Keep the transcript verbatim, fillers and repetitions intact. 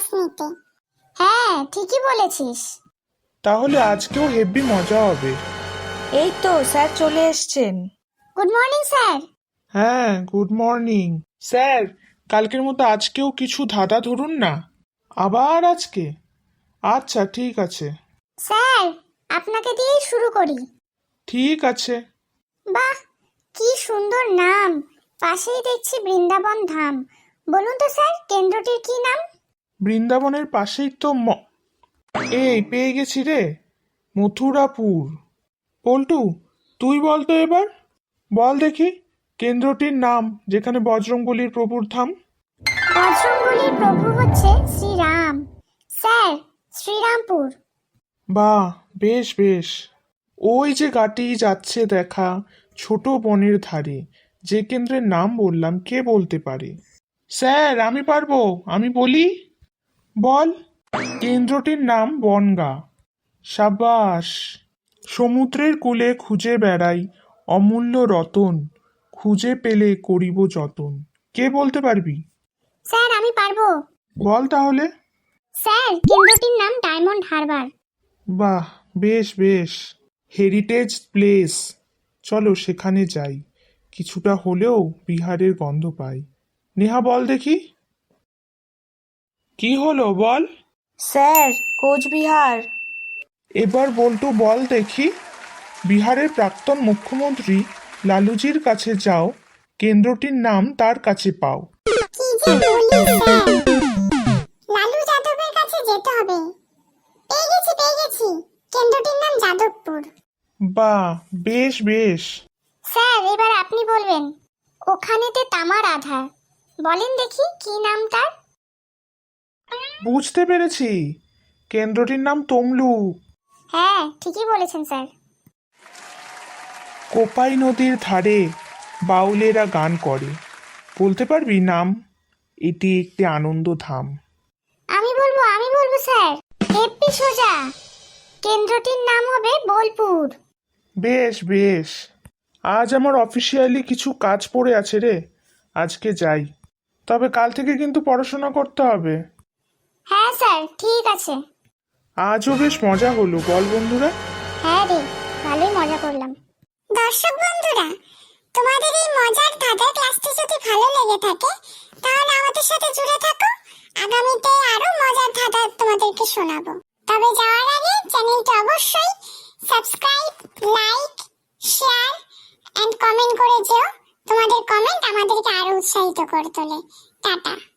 নিতে। হ্যাঁ ঠিকই বলেছিস। তাহলে আজকেও হেব্বি মজা হবে। এই তো স্যার চলে এসছেন। Good morning sir. হ্যাঁ, গুড মর্নিং স্যার। কালকের মতো আজকেও কিছু ধাঁধা ধরুন না। আবার আজকে? আচ্ছা ঠিক আছে। স্যার আপনাকে দিয়েই শুরু করি। ঠিক আছে। বাহ, কি সুন্দর নাম। পাশেই দেখছি বৃন্দাবন ধাম। বলুন তো স্যার, কেন্দ্রটির কি নাম? বৃন্দাবনের পাশেই তো ম এই পেয়ে গেছি রে, মথুরাপুর। পল্টু, তুই বল তো এবার। বল দেখি কেন্দ্রটির নাম যেখানে বজরংবলীর প্রভুর ধাম। বজরংবলীর প্রভু হচ্ছে শ্রীরাম। স্যার, শ্রীরামপুর। বাহ, বেশ বেশ। ওই যে গাটি যাচ্ছে দেখা, ছোট বনের ধারে, যে কেন্দ্রের নাম বললাম, কে বলতে পারে? স্যার আমি পারবো, আমি বলি। বল। কেন্দ্রটির নাম বনগা। সাবাস। সমুদ্রের কূলে খুঁজে বেড়াই অমূল্য রতন, খুঁজে পেলে করিব যতন। কে বলতে পারবি? স্যার আমি পারবো। বল তাহলে। স্যার, কেন্দ্রটির নাম ডায়মন্ড হারবার। বাহ, বেশ বেশ। হেরিটেজ প্লেস, চলো সেখানে যাই, কিছুটা হলেও বিহারের গন্ধ পাই। নেহা বল দেখি। কি হলো বল। স্যার, কোচবিহার। এবার বল্টু বল দেখি। বিহারের প্রাক্তন মুখ্যমন্ত্রী লালুজির কাছে যাও, কেন্দ্রটির নাম তার কাছে পাও। কি যে বলি স্যার, লালু যাদবের কাছে যেতে হবে। পেয়ে গেছি পেয়ে গেছি, কেন্দ্রটির নাম যাদবপুর। বাহ, বেশ বেশ। স্যার এবার আপনি বলবেন। ওখানেতে তামার আধার, বলেন দেখি কি নাম তার? বুঝতে পেরেছি, কেন্দ্রটির নাম তমলুক। হ্যাঁ ঠিকই বলেছেন স্যার। কোপাই নদীর ধারে বাউলেরা গান করে, বলতে পারবি নাম? এটি একটি আনন্দ ধাম। আমি বলবো আমি বলবো স্যার, হেব্বি সোজা। কেন্দ্রটির নাম হবে বোলপুর। বেশ বেশ। আজ আমার অফিসিয়ালি কিছু কাজ পড়ে আছে রে, আজকে যাই। তবে কাল থেকে কিন্তু পড়াশোনা করতে হবে। হ্যাঁ স্যার ঠিক আছে। আজও বেশ মজা হলো, বল বন্ধুরা। হ্যাঁ রে, ভালোই মজা করলাম। দর্শক বন্ধুরা, তোমাদের এই মজার ধাঁধার ক্লাসটি যদি ভালো লেগে থাকে তাহলে আমাদের সাথে জুড়ে থাকো। আগামীতে আরো মজার ধাঁধা তোমাদেরকে শোনাবো। তবে যাওয়ার আগে চ্যানেলটি অবশ্যই subscribe, like, share and comment করে যেও। তোমাদের কমেন্ট আমাদেরকে আরো উৎসাহিত করে তোলে। টাটা।